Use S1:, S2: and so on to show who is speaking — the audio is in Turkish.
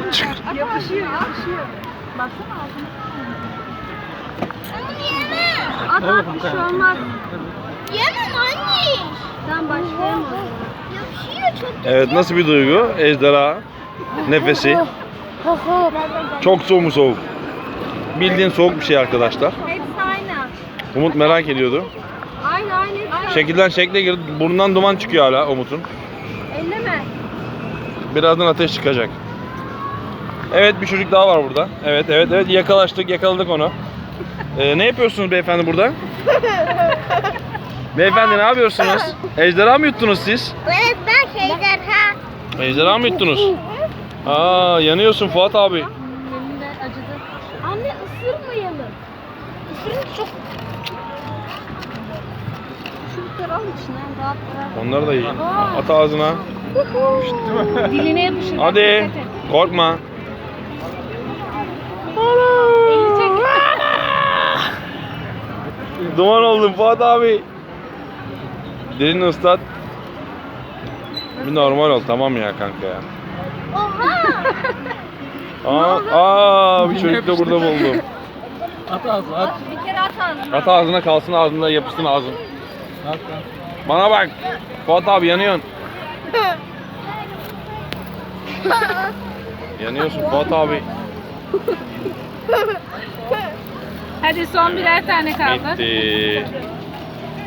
S1: Yapışıyor, yapışıyor. Baksana ağzına. At at, bir şey olmaz.
S2: Yemem anne.
S1: Tamam, başlayalım.
S2: Yapışıyor çok.
S3: Evet, nasıl bir duygu? Ejderha nefesi. Çok soğuk mu soğuk? Bildiğin soğuk bir şey arkadaşlar.
S1: Hepsi aynı.
S3: Umut merak ediyordu.
S1: Aynı aynı.
S3: Şekilden şekle girdi. Burnundan duman çıkıyor hala Umut'un.
S1: Elleme.
S3: Birazdan ateş çıkacak. Evet, bir çocuk daha var burada. Evet yakaladık onu. Ne yapıyorsunuz beyefendi burada? Beyefendi ne yapıyorsunuz? Ejderha mı yuttunuz siz?
S2: Evet ben ejderha.
S3: Ejderha mı yuttunuz? Aa, yanıyorsun Fuat abi.
S1: Elimde acıdı. Anne ısırmayalım. Isırınca çok... Çubukları al içinden rahat bırak.
S3: Onları da yiyin. At ağzına.
S1: Diline yapışır.
S3: Hadi.
S1: Dikkat et.
S3: Korkma.
S1: Elini çek.
S3: Duman oldun Fuat abi. Dilini ıslat. Bir normal ol, tamam ya kanka ya.
S2: Oha.
S3: Bir çocuk da burada buldum.
S4: At ağzına at.
S1: Bir kere at ağzına.
S3: At ağzına kalsın, ağzında yapışsın ağzın.
S4: At.
S3: Bana bak. Fuat abi yanıyorsun. Yanıyorsun Fuat abi.
S1: Hadi son birer tane kaldı.
S3: Bitti.